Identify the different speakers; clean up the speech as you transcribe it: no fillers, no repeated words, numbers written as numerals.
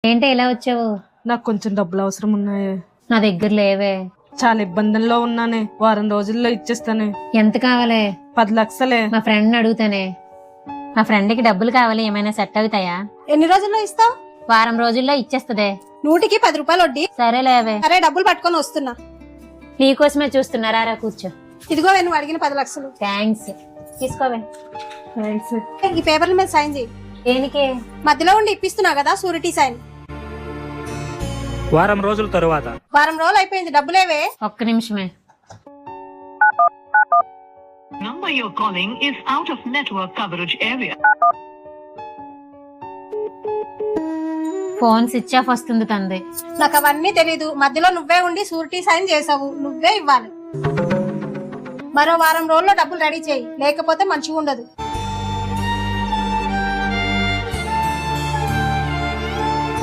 Speaker 1: ఏంటి ఇలా వచ్చావు?
Speaker 2: నాకు కొంచెం డబ్బులు అవసరం ఉన్నాయే.
Speaker 1: నా దగ్గర లేవే.
Speaker 2: చాలా ఇబ్బందుల్లో ఉన్నానే. వారం రోజుల్లో ఇచ్చేస్తానే.
Speaker 1: ఎంత కావాలి?
Speaker 2: 10 లక్షలే.
Speaker 1: మా ఫ్రెండ్ అడుగుతానే. మా ఫ్రెండ్ కి డబ్బులు కావాలి, ఏమైనా సెట్ అవుతాయా?
Speaker 3: ఎన్ని రోజుల్లో ఇస్తావు?
Speaker 1: వారం రోజుల్లో ఇచ్చేస్తదే.
Speaker 3: 100కి 10 రూపాయలు వడ్డీ.
Speaker 1: సరే లేవే.
Speaker 3: సరే, డబ్బులు పట్టుకొని వస్తున్నా.
Speaker 1: నీకోసమే చూస్తున్నారా? రా కూర్చో.
Speaker 3: ఇదిగో నువ్వు అడిగిన 10 లక్షలు.
Speaker 1: థ్యాంక్స్. తీసుకోవే.
Speaker 2: థ్యాంక్స్.
Speaker 3: ఈ పేపర్ల మీద సైన్ చేయి.
Speaker 1: దేనికి?
Speaker 3: మధ్యలో ఉండి ఇప్పిస్తున్నా కదా, షూరిటీ సైన్.
Speaker 4: వారం రోజుల తరువాత.
Speaker 3: వారం రోజులు అయిపోయింది, డబ్బులేవే.
Speaker 1: ఒక్క నిమిషమే.
Speaker 5: Number you're calling is out of network coverage area.
Speaker 1: Phone switch off వస్తుంది తంది.
Speaker 3: నాకు అవన్నీ తెలీదు. మధ్యలో నువ్వే ఉండి షూరిటీ సైన్ చేసావు, నువ్వే ఇవ్వాలి. మరో వారం రోజుల్లో డబ్బులు రెడీ చేయి, లేకపోతే మంచిగా ఉండదు.